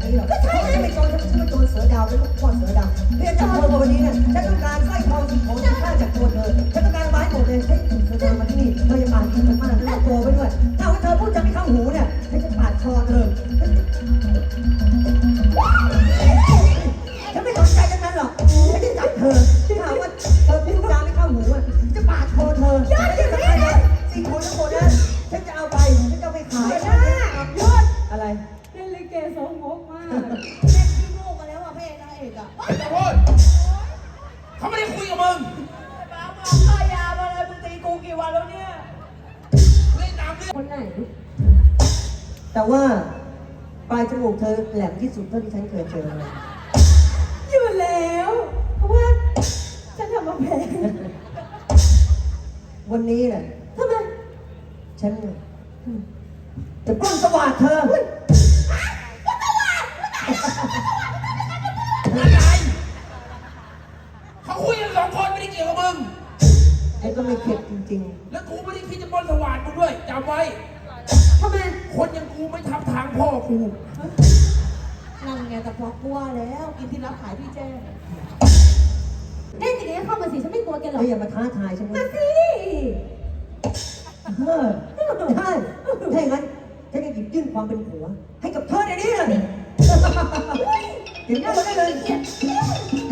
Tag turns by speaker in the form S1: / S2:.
S1: นี้หรอกฉันไม่โจรฉันเป็นโจรเสือดาวเป็นลูกพ่อเสือดาวเรียนจากเธอมาวันนี้เนี่ยฉันต้องการสร้อยทองสิ่งของที่ค่าจากตัวเธอฉันต้องการไม้หมดเลยให้เธอมาที่นี่เธออย่าปาดกินมันมากแล้วตัวไปด้วยถ้าว่าเธอพูดจะไม่เข้าหูเนี่ยฉันจะปาดคอเธอฉันไม่สนใจทั้งนั้นหรอกฉันจะจับเธอถ้าว่าเธอพูดจาไม่เข้าหูอ่ะจะปาดคอเธอฉันจะทำอะไรสิ่งของทั้งหมดนั้นฉันจะเอาไปฉันจะไปขายอะไร
S2: เล่นลิเกสองงกมาก
S3: แม่ขี้โง่มาแล้วอ่ะพระเอกนางเอกอ่ะ
S4: แต่พูดเขาไม่ได้คุยกับมึง
S3: บ้ามาฆ่ายามาเลยมึงตีกูกี่วันแล้วเนี่ย
S4: เล่นตามเรื่อง
S2: คนไหน
S1: แต่ว่าปลายจมูกเธอแหลมที่สุดเท่าที่ฉันเคยเจอมา
S2: อยู่แล้ว เพราะว่าฉันทำมาแพง
S1: วันนี้แหละ
S2: ทำไม
S1: ฉันจะปล้นสวัสดเธอ
S4: อะไรเขาคุยกันสองคนไม่ได้เกี่ยวกับมึง
S1: ไอ้ก็ไม่เข็ดจริง
S4: แล้วกูไม่ได้คิดจะปล้นสว่านมึงด้วยจำไว้
S2: ทำไม
S4: คนอย่างกูไม่ทับทางพ่อกู
S3: นั่นไงแต่พอกลัวแล้วกินที่รับขายพี่แจ้ง
S2: เล่นอย่างนี้เข้ามาสิฉันไม่กลัวแก
S1: ๆ
S2: หรอก
S1: เธออย่ามาท้าทายฉัน
S2: มา
S1: นะ
S2: สิ
S1: ใช่ถ้าอย่างนั้นฉันจะหยิบยื่นความเป็นผัว ให้กับเธอในนี้เลยเห็นหน้าเราได้เลย